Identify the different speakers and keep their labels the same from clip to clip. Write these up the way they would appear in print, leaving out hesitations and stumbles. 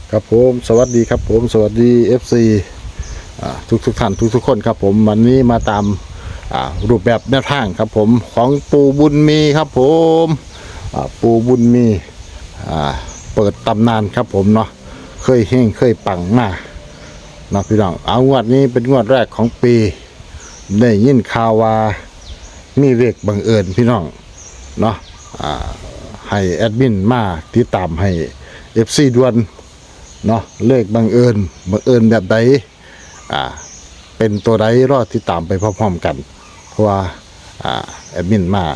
Speaker 1: ครับผมสวัสดีครับผมสวัสดี FC ทุกท่านทุกคนครับผมวันนี้มาตามรูปแบบแนวทางครับผมของปูบุญมีครับผมปูบุญมีเปิดตำนานครับผมเนาะเคยเฮงเคยปังมากเนาะพี่น้องเอางวดนี้เป็นงวดแรกของปีได้ยินข่าวว่ามีเลขบังเอิญพี่น้องเนาะให้แอดมินมาติดตามให้ FC ด่วนเนาะเลขบังเอิญแบบใดเป็นตัวใดรอดที่ตามไปพร้อมๆกันเพราะว่าแอดมินมา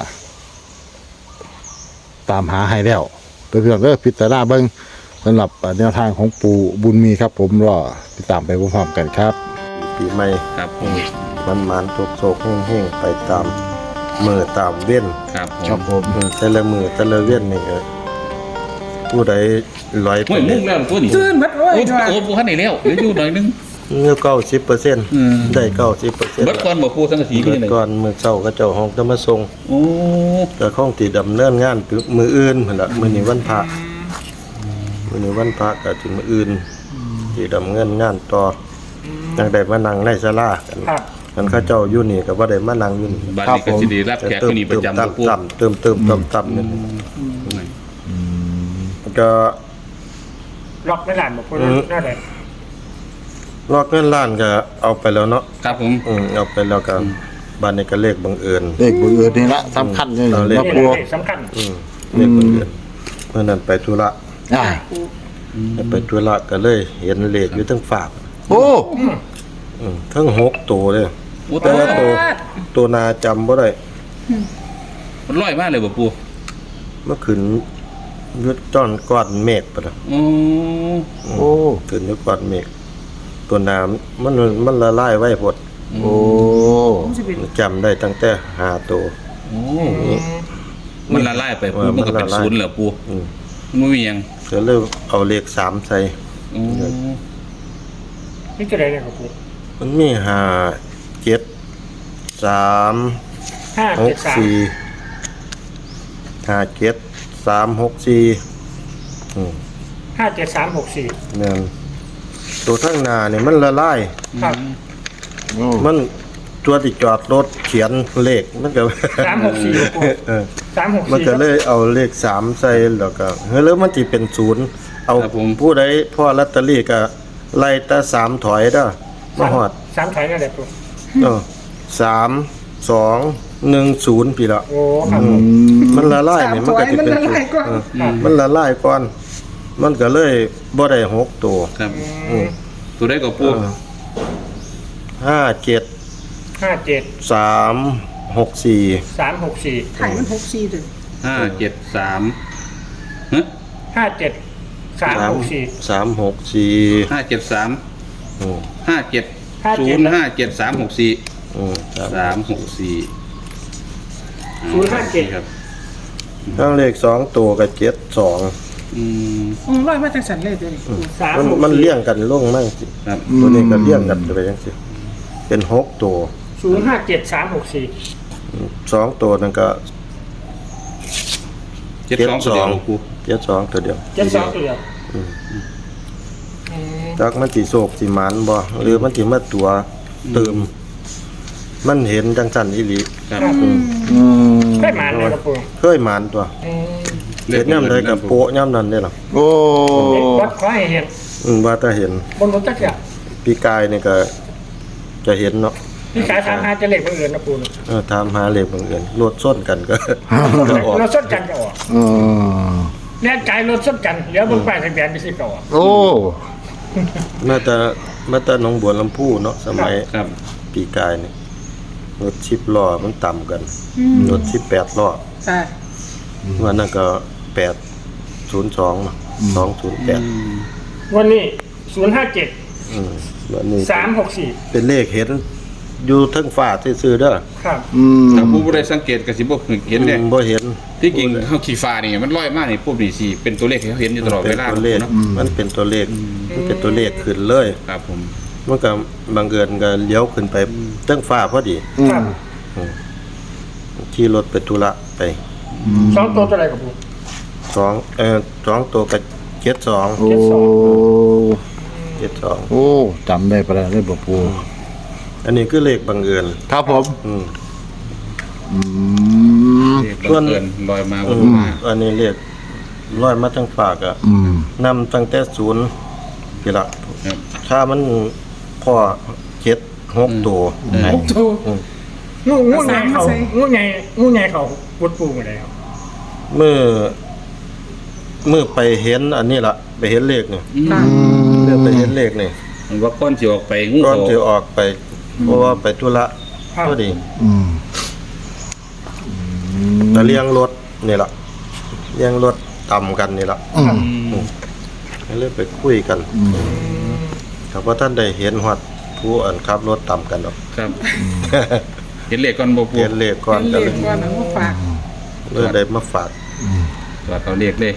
Speaker 1: ตามหาให้แล้วเพื่อนพิจารณาเบิ่งสำหรับแนวทางของปู่บุญมีครับผมรอติดตามไปพร้อมๆกันครับ
Speaker 2: ปีใหม่
Speaker 3: ครับผม
Speaker 2: มันโศกๆแห้งๆไปตามมือตามเว้น
Speaker 3: ครับผม
Speaker 2: แต่ละมือแต่ละเว้นนี่ก็ผู้ใดลอยไป
Speaker 3: โอ้ยมุ่งแล้วตัวนี้
Speaker 4: ตื่นมัดโอ้ย
Speaker 3: โอ้ปูขันไหนแล้วเดี๋ยวอยู่หน่อยนึง
Speaker 2: เงื่อ90%ได้90%
Speaker 3: เบิดก่อนบ่ปูสังกะสีนี่เลย
Speaker 2: ก่อนมือเช้าก็เจ้าห้องจะมาส่ง
Speaker 3: โอ้
Speaker 2: ก็คงสิดำเนินงานมืออื่นพุ่นล่ะมื้อนี้วันพระมื้อนี้วันพระก็ถึงมื้ออื่นสิดำเนินงานต่อจังได้มานั่งในศาลากันมันเขาเจ้าอยู่นี่ก็บ่ได้มานั่งอยู่นี่
Speaker 3: บัดนี้ก็สิได้รับแขกที่นี่ประจำบ่ปู
Speaker 2: เติมนี่ก็
Speaker 4: ล็อกไม่หลานบอกคนน่าแหละ
Speaker 2: ลอกเงินล้านก็เอาไปแล้วเนาะ
Speaker 3: ครับผม
Speaker 2: เอาไปแล้วก็บ้านนี้ก็เลขบังเอิญ
Speaker 1: เลขบังเอิญนี่ละสำคัญเลย
Speaker 2: เอาเลข
Speaker 1: นะ
Speaker 4: นี่
Speaker 1: ปู
Speaker 4: แหละสำคัญ
Speaker 2: เลขบังเอิญเมื่อนั้นไปธุระ ไปธุระก็เลยเห็นเลขอยู่ทั้งฝาก
Speaker 1: โอ้
Speaker 2: ทั้ง6ตัวเลย
Speaker 3: โอ้
Speaker 2: แต่ว่าตัวนาจำบ่ได้
Speaker 3: มันลอยมากเลยบ่ปู
Speaker 2: เมื่อคืนยึดจ้อนก้อนเมฆปะนะ
Speaker 3: โอ้
Speaker 1: โอ้
Speaker 2: คืนยึดก้อนเมฆตัวน้ำมันละลายไว้พด
Speaker 1: โอ้
Speaker 2: จำได้ตั้งแต่5ตัว
Speaker 3: โอ้มันละลายไปปูมันก็เป็นศูนย์แล้วปูมันมีหยัง
Speaker 2: ก็เลยเอาเลข3ใส่
Speaker 3: โอ้
Speaker 4: นี่จะได้เลยครับผม
Speaker 2: มันมี5 7 3
Speaker 4: 573
Speaker 2: 57364เนี่ยตัวทั้งหน้าเนี่ยมันละลาย
Speaker 4: ครับ
Speaker 2: มันตัวที่จอดรถเขียนเลขมันก็
Speaker 4: 364ปู
Speaker 2: มันก็
Speaker 4: 364
Speaker 2: เลยเอาเลข3ใส่แล้วก็แล้วมันสิเป็น0เอาผู้ใดพ่อลอตเตอรี่ก็ไล่แต่3ถอยเด้อมาฮอด
Speaker 4: 3ถอยนั่นแหละปู
Speaker 2: 3 2 1 0พี่ละ
Speaker 4: โอ้ครับ
Speaker 2: มันละลายนี่มันก็สิเป็นมันละลายก่อนมันก็เลยบ่ได้6ตัว
Speaker 3: ครับตัวได้ก็ปู
Speaker 2: 57
Speaker 4: 57
Speaker 2: 364
Speaker 4: 364
Speaker 5: ถ่ายมัน64เลย
Speaker 3: 573ฮะ
Speaker 4: 57 364
Speaker 2: 364
Speaker 3: 573
Speaker 2: อืม
Speaker 3: 57057
Speaker 4: 057
Speaker 3: ครับ
Speaker 2: ทั้งเลข2ตัวกับ72
Speaker 5: ร้อยมาจากสันเลยตัวนี้
Speaker 2: มันเลี้ยงกันลงมั่งสิ
Speaker 3: ครับ
Speaker 2: ตัวนี้ก็เลี้ยงกันไปจังซี่เป็น6ตัว
Speaker 4: 057 364
Speaker 2: 2ตัวนั่นก็
Speaker 3: 72ตัวเดียวปู
Speaker 2: 72ตัวเดียว
Speaker 4: 72ตัวเดียว
Speaker 2: จักมันสิโศกสิหมานบ่หรือมันสิมาตัวเติมมันเห็นจังซั่นอีหลี
Speaker 3: ครับ
Speaker 4: ได้มาเลยครับปู
Speaker 2: เคยหมานตัวเห็นยามใดก็โปะยามนั้นเด้ล่ะ
Speaker 1: โอ้
Speaker 4: วัดขอให้เห็น
Speaker 2: ว่าถ้าเห็น
Speaker 4: บนรถจักรยาน
Speaker 2: ปีกายนี่ก็จะเห็นเนาะ
Speaker 4: พี่สาย35จะเล็กบังเอิญนะปู
Speaker 2: ถามหาเลขบังเอิญรถส้นกันก็ ก็ออก
Speaker 4: รถส้นกันจะออก
Speaker 1: เออ
Speaker 4: แน่ใจรถส้นกันเดี๋ยวบนป้ายทะเบียนไปสิบต่อ
Speaker 1: โอ้
Speaker 2: มาแต่หนองบัวลำพูเนาะสมัย
Speaker 3: ครับ
Speaker 2: ปีกายนี่รถ10ล้อมันต่ำกันรถ18ล้อ
Speaker 5: ค่ะ
Speaker 2: วันนั้นก็802เนาะ208
Speaker 4: วันนี้057
Speaker 2: วันนี้
Speaker 4: 364
Speaker 2: เป็นเลขเห็นอยู่เทั้งฟ้าซื่อๆเด้อ
Speaker 4: ครับ
Speaker 3: ถ้าผู้บ่ได้สังเกตก็สิบ่เห็นเนี่ย
Speaker 2: บ่เห็น
Speaker 3: ที่จริงเฮาขี่ฟ้านี่มันลอยมานี่ปุ๊บนี่สิเป็นตัวเลขให้เฮาเห็นอยู่ตลอดเวลา
Speaker 2: ป็นตัวเลข
Speaker 3: เนาะ
Speaker 2: มันเป็นตัวเลขมันเป็นตัวเลขขึ้นเลย
Speaker 3: ครับผม
Speaker 2: มันก็บังเอิญก็เลี้ยวขึ้นไปเทั้งฟ้าพอดี
Speaker 4: ครับ
Speaker 2: ขี่รถไปธุระไป
Speaker 4: 2ตัวเท่าไหร่ครับปู
Speaker 2: 2ตัวกับเจ็ดสอง
Speaker 1: โอ้
Speaker 2: เจ็ดสอง
Speaker 1: โอ้จำได้ปะล่ะเลยบ่ปู
Speaker 2: อันนี้คือเลขบังเอิญ
Speaker 1: ครับผม
Speaker 2: อืม
Speaker 1: อืม
Speaker 3: เรียกบังเอิญลอยมาบนมา
Speaker 2: อันนี้เลขร้อยมาทั้งฝากอะ
Speaker 1: อืม
Speaker 2: นำตั้งแต่ศูนย์กี่ละ
Speaker 3: ครับ
Speaker 2: ถ้ามันพอเจ็ดหกตัว
Speaker 4: หกตัวงูไงเขางูไงเขาวุดปูมาแล้ว
Speaker 2: เมื่อไปเห็นอันนี้ละไปเห็นเลขนี่
Speaker 5: ค่ะ
Speaker 2: เมื่อไปเห็นเลขนี่
Speaker 3: มันว่าก้อนสิออกไปงู
Speaker 2: ก่อน
Speaker 3: เขา
Speaker 2: จะออกไป เพราะว่าไปธุระพอดี
Speaker 1: อืม
Speaker 2: แต่เลี้ยงรถนี่ละเลี้ยงรถต่ำกันนี่ละ
Speaker 1: อืม
Speaker 2: ก็เลยไปคุยกันครับว่าท่านได้เห็นฮอดผู้อันขับรถต่ำกันหรอก
Speaker 3: ครับ เห็นเลขก่อนบ่ปู
Speaker 2: เห็นเลขก่อน
Speaker 5: เป็น
Speaker 2: ก็
Speaker 5: เล
Speaker 2: เล
Speaker 5: ข
Speaker 2: ย
Speaker 5: ก่อนนะว่าฝาก
Speaker 2: เลยได้มาฝาก
Speaker 3: ตัวเขาเลขเลย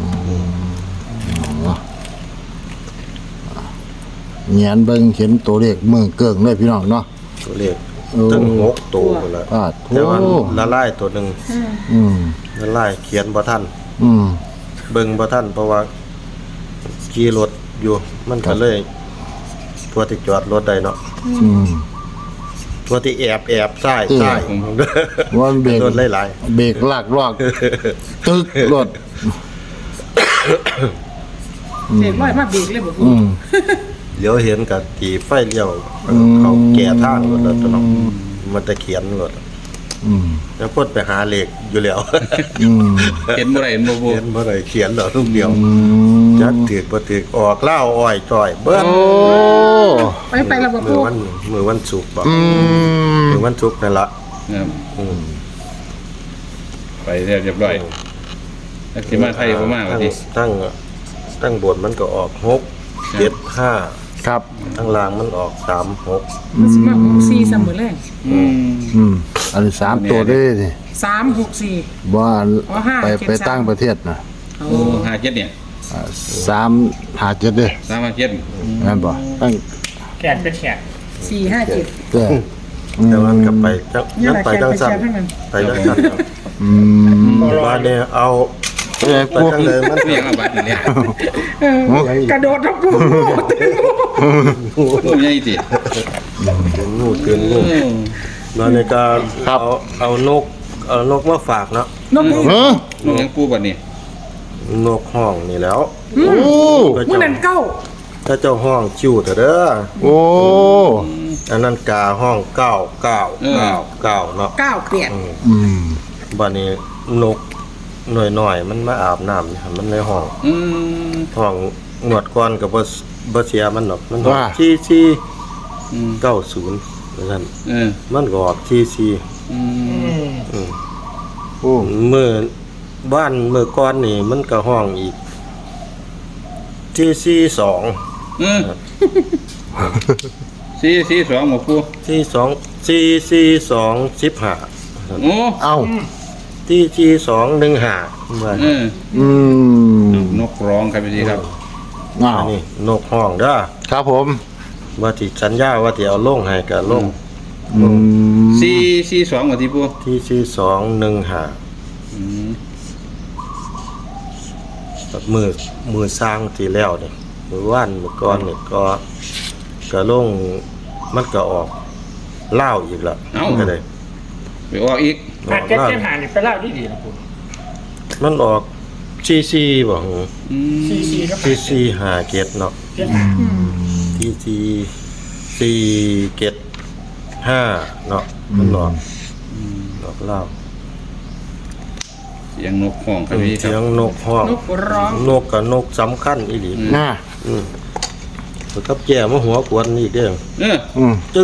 Speaker 1: เงียนเบิ่งเห็นตัวเลขเมืองเกิงเลยพี่น้องเนาะ
Speaker 2: ตัวเลข
Speaker 1: โอ้
Speaker 2: ตั้ง6ตัวพุ่นละ
Speaker 1: อ่า
Speaker 2: แต่ว่า
Speaker 1: โอ้
Speaker 2: ละลายตัวหนึง
Speaker 1: อืม
Speaker 2: ละลายเขียนบ่ทัน
Speaker 1: อืม
Speaker 2: เบิ่งบ่ทันเพราะว่าขี่รถอยู่มันก็เลยพวกที่จอดรถได้เนาะ
Speaker 1: อืม
Speaker 2: พวกที่แอบซ้าย
Speaker 1: อืม
Speaker 2: ซ้าย
Speaker 1: ว่ามันเบรก
Speaker 2: รถหลาย
Speaker 1: เบรกลากลอกตึกรถ
Speaker 5: เลขร้อยมาเบรกเลยบ่ปู
Speaker 1: อืม
Speaker 2: ๆเดี๋ยวเห็นก็ตีไฟเลี้ยว
Speaker 1: อืม
Speaker 2: เขาแก่ทางรถแล้วตัวเนาะมันจะเขียนรถ
Speaker 1: อืม
Speaker 2: แล้วพ่นไปหาเลขอยู่แล้ว
Speaker 1: อืม
Speaker 3: เห็นบ่ได้เห็นบ่ปู
Speaker 2: เขียนบ่ได้เขียนหรอกลูกเดียว
Speaker 1: อืม
Speaker 2: จักถือบ่ถือออกเล่าอ้อยจ้อยเบิ้
Speaker 1: โอ้
Speaker 5: ไปแล้วบ่
Speaker 2: มื
Speaker 5: ปู
Speaker 2: อวันศุกร์บ่
Speaker 1: อืม
Speaker 2: มือวันศุกร์นั่นละ
Speaker 3: ครับ
Speaker 2: อืม
Speaker 3: ไปเรียบร้อยแล้วสิมาไทยบ่มาว่าสิ
Speaker 2: ตั้งบทมันก็ออก6 7 5
Speaker 1: ครับ
Speaker 2: ตั้งล่างมันออก3 6
Speaker 5: มันสิมา64เสมอแรง
Speaker 3: อืม
Speaker 1: อืมอันนี้สามตัวได้นี่
Speaker 5: 364
Speaker 1: ว่า
Speaker 5: อ๋อห้า
Speaker 1: ไป
Speaker 5: เจ็ด
Speaker 1: ไป
Speaker 5: สาม
Speaker 1: ตั้งประเทศนะ
Speaker 5: โอ้
Speaker 3: โอ้57เนี่ย
Speaker 1: 357เด้
Speaker 3: 357
Speaker 1: นั่นบ่ตั้ง
Speaker 4: แขนเป็นแขน
Speaker 5: 457
Speaker 1: แต่
Speaker 2: แต่มันก็ไปจัง
Speaker 5: นี่
Speaker 2: นั้น
Speaker 5: แหละ
Speaker 2: ไปจังสั่น
Speaker 5: แขนทั้งนั้น
Speaker 2: ไปจังสั่น
Speaker 1: อืม
Speaker 2: ว่าเนี่ยเอา
Speaker 1: เอ้ย
Speaker 2: ไป
Speaker 1: ปู
Speaker 2: จังเลยมัน
Speaker 3: เรียกเอาบัตรนี่แหละ
Speaker 5: กระโดดทั้งปู
Speaker 3: โอ้ใหญ่สิ
Speaker 2: เตือนงูแล้วในการเอานกมาฝากเนาะ
Speaker 5: นกนี่
Speaker 1: เฮ้อ
Speaker 3: ลูกยังปูบัดนี้
Speaker 2: นกห้องนี่แล้ว
Speaker 1: โอ้
Speaker 5: มื้อนั้นเก้า
Speaker 2: ถ้าเจ้าห้องจิ้วเถอะเด้อ
Speaker 1: โอ้
Speaker 2: อันนั้นกาห้อง9 เนาะ
Speaker 5: เก้าเกลียด
Speaker 1: อืม
Speaker 2: บัดนี้นกหน่อยๆมันมาอาบน้ำนี่มันในห้อง
Speaker 3: อืม
Speaker 2: ห้องงวดก่อนก็บ่เสียมันหรอกมันออก
Speaker 1: ว่า
Speaker 3: อืม
Speaker 2: 4490ว่าซั่น
Speaker 3: เออ
Speaker 2: มันก็ออก44
Speaker 3: อืม
Speaker 1: โอ้
Speaker 2: มื้อบ้านมื้อก่อนนี่มันก็ห้องอีก42
Speaker 3: เออ442บ่ปู
Speaker 2: 42
Speaker 3: โอ้
Speaker 1: เอ้า
Speaker 2: 4215ว่า
Speaker 3: เออ
Speaker 1: อืม
Speaker 3: นกร้องครับพี่ครับ
Speaker 1: อ้า
Speaker 2: อั
Speaker 1: วน
Speaker 2: นี้นกห้องเด้อ
Speaker 1: ครับผม
Speaker 2: ว่าที่สัญญาว่าที่เอาลงให้ก็ลง
Speaker 1: อืม
Speaker 3: 442บ่ที่ปู
Speaker 2: ที่4215
Speaker 3: อืม
Speaker 2: แบบมือสร้างที่แล้วนี่มื้อวานมื้อก่อนนี่ก็ลงมันก็ออกเล่าวอีกแล้วก็ได้
Speaker 3: ไปออกอีก
Speaker 4: หาเจ็ดเจ็ดหานี่ไปเล่าดีๆนะคุณ
Speaker 2: มันออกซีบ่หือ
Speaker 3: อืม
Speaker 4: ซีก็
Speaker 2: ซีหาเกตเนาะ
Speaker 4: เจ็ดหา
Speaker 2: ซีเกต5เนาะมันออกเล่าว
Speaker 3: เสียงนกห้องครับพี่ค
Speaker 2: เสีย
Speaker 3: รับ
Speaker 2: งนกฮ้อง
Speaker 5: นกร้อง
Speaker 2: นกกับนกสำคัญอีหลี
Speaker 1: น่า
Speaker 2: แล้วกับแก่มาหัวกวนนี่เด้อ
Speaker 3: เออ
Speaker 1: อืม
Speaker 2: จึ๊ก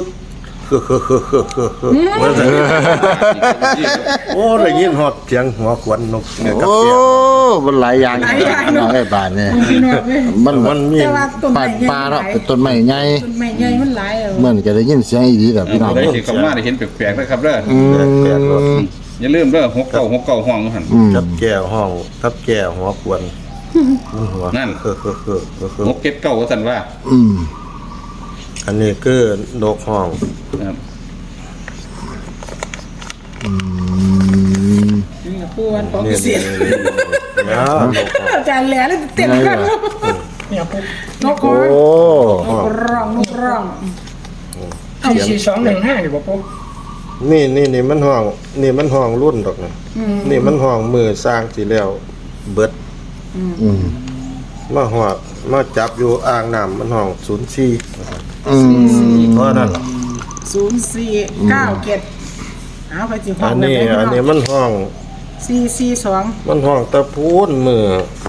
Speaker 2: ว่าแต่โอ้ได้ยินฮอดเสียงหัวกวนนกเนี่ยกับ
Speaker 1: โอ้
Speaker 2: แก่
Speaker 1: มันหลายอย่างเนาะไอ้บ้านเนี่ย
Speaker 5: พี่น้องเว้ย
Speaker 2: มันมี
Speaker 5: แต่ว่าต้น
Speaker 1: ป่า
Speaker 5: ไม้ใหญ่
Speaker 1: ปลาเนาะเป็นต้นไม้ใหญ่
Speaker 5: ต้นไม้ใหญ่มันหลายเอา
Speaker 1: เหมือนก็ได้ยินเสียงอีดีแบบพี่น้อง
Speaker 3: ได้สิเข้ามาได้เห็นแปลกๆนะครับเด้อ
Speaker 1: อืม
Speaker 2: แปลกๆเนาะ
Speaker 3: อย่าลืมเด้อ6969ห้องหั่น
Speaker 1: อืม
Speaker 2: กับแก่ห้องกับแก่หัวกวนมันหัว
Speaker 3: นั่น 679ว่าซั่นว่า
Speaker 1: อืม
Speaker 2: อันนี้คือนกห้อง
Speaker 3: ครับ
Speaker 1: อืม
Speaker 5: นี่ก็ปูวันของ
Speaker 2: นี่
Speaker 5: เสีย
Speaker 2: นะ
Speaker 5: อาจารย์แหล่แล้วเต็มกัน
Speaker 4: เนี่ยปู
Speaker 5: นก
Speaker 1: โอ้
Speaker 5: นกร้องนกร้อง
Speaker 4: 44215อยู่บ่ปู
Speaker 2: นี่มันห้องนี่มันห้องรุ่นดอกนะนี่มันห้องมือสร้างสิแล้วเบิด
Speaker 1: อืม
Speaker 2: มาหอดมาจับอยู่อ่างน้ำมันห้อง04
Speaker 1: อืม
Speaker 2: เพราะนั่นล่ะ
Speaker 5: 0497เอาไปสิห้อ
Speaker 2: อั
Speaker 5: ง
Speaker 2: นนี้มันห้อง
Speaker 5: 442
Speaker 2: มันห้องตะพูนมือ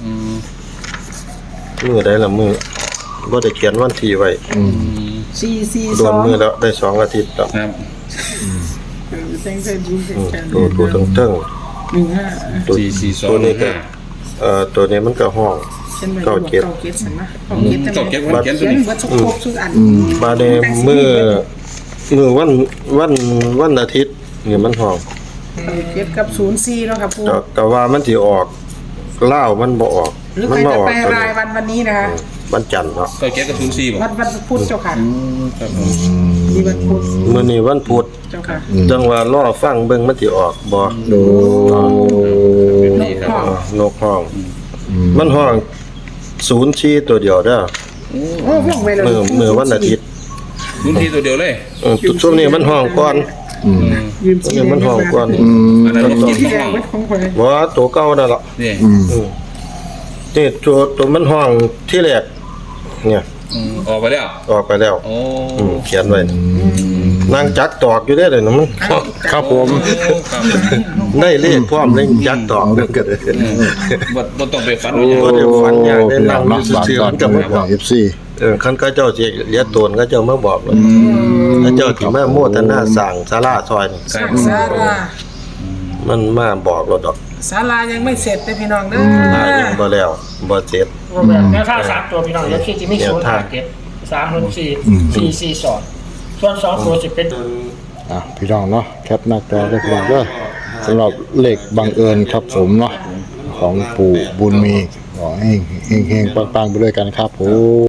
Speaker 2: ได้ละมือบ่ได้เขียนวันที่ไว้รวมมือ
Speaker 5: 442
Speaker 2: แล้วได้2อาทิตย์แล้ว
Speaker 3: ครับ
Speaker 5: เซ็งเซ็งดูเซ็งเซ็ง
Speaker 2: ตัวเทิง
Speaker 5: 15
Speaker 2: ตัว
Speaker 3: 442
Speaker 2: ตัวนี้ก็ตัวนี้มันก็ห้อง
Speaker 5: ฉันไปบอกเก้าเก็ตสันนะเก้าเก็ต
Speaker 3: เก้าเก็ตวันเขียนตัว
Speaker 5: เขียน
Speaker 3: นี้
Speaker 5: เบิดทุกทุกอัน
Speaker 2: บาดนี้มือวันอาทิตย์นี่มันห้อง
Speaker 5: เก็ตกับ04เนาะครับปู
Speaker 2: ก็ว่ามันสิออกเล่าวมันบ่ออก
Speaker 5: หรือ
Speaker 2: มั
Speaker 5: ใคร
Speaker 2: บ่
Speaker 5: จะ
Speaker 2: ออก
Speaker 5: ไป
Speaker 2: ตัว
Speaker 5: ราย
Speaker 2: นี้
Speaker 5: วันนี้นะคะ
Speaker 2: วันจันทร์เนาะ
Speaker 3: เก้าเก็ตกับ04บ่
Speaker 5: วันพุธเจ้าค่ะ
Speaker 3: ครับผม
Speaker 5: ดีวันพุธ
Speaker 2: มื้อนี้วันพุธ
Speaker 5: เจ้าค่ะ
Speaker 2: จังว่ารอฟังเบิ่งมันสิออกบ่
Speaker 1: โอ้
Speaker 3: นี่ครับ
Speaker 2: นกห้อง มันห้อง04ตัวเดียวเด้อ
Speaker 5: โอ้พวกเวลา
Speaker 2: มือวันอาทิตย์
Speaker 3: รุ่นที่ตัวเดียวเลย
Speaker 2: ช่วงนี้มันห้องก่อน
Speaker 5: ยืม
Speaker 2: ช่วงนี้มันห้องก่อน
Speaker 3: อันนั้นมัน
Speaker 5: ที่
Speaker 3: ที่
Speaker 5: แด
Speaker 3: ห้
Speaker 5: ง
Speaker 3: อง
Speaker 5: เป็นของคน
Speaker 2: บ่ตัวเก่านั่นล่ะ
Speaker 3: นี่
Speaker 2: นี่ตัวมันห้องที่แรกเนี่ย
Speaker 3: ออกไปแล้ว
Speaker 2: ออกไปแล้ว
Speaker 3: โอ้
Speaker 2: เขียนไว้นางจักตอกอยู่ได้เลยนะมัน
Speaker 1: ครับผม
Speaker 3: ครับ
Speaker 2: ได้เลขพร้อมเลขจักตอกนั่นก็ได้
Speaker 3: บ่ต้องไปฝัน
Speaker 2: บ่ได้ฝันอย่างได้
Speaker 1: ห
Speaker 2: นั่
Speaker 1: ลั
Speaker 2: ง
Speaker 1: ง
Speaker 2: อยู่
Speaker 1: เนาะบาท
Speaker 2: ซื่อ
Speaker 1: ก่อน
Speaker 2: ๆมันก็มาบอก
Speaker 1: เอฟซี
Speaker 2: คันก็เจ้าสิเลียตนก็เจ้ามาบอกเลยถ้าเจ้าสิมาโมทนาสร้างศาลาซอยนี่
Speaker 3: ใช่
Speaker 5: ศาลา
Speaker 2: มันมาบอกเราดอก
Speaker 5: ศาลายังไม่เสร็จเลยพี่น้องเด้อ
Speaker 2: ศาลายังบ่แล้วบ่เสร็จ
Speaker 4: แบบแนวท่า3ตัวพี่น้องแล้วที่จะมี057 304 442ส่วน2ตัวสิเป็น
Speaker 1: พี่น้องเนาะแคปหน้าจอได้พี่น้องเด้อสำหรับเลขบังเอิญครับผมเนาะของปู่บุญมีขอให้เฮงๆปังๆไปด้วยกันครับผม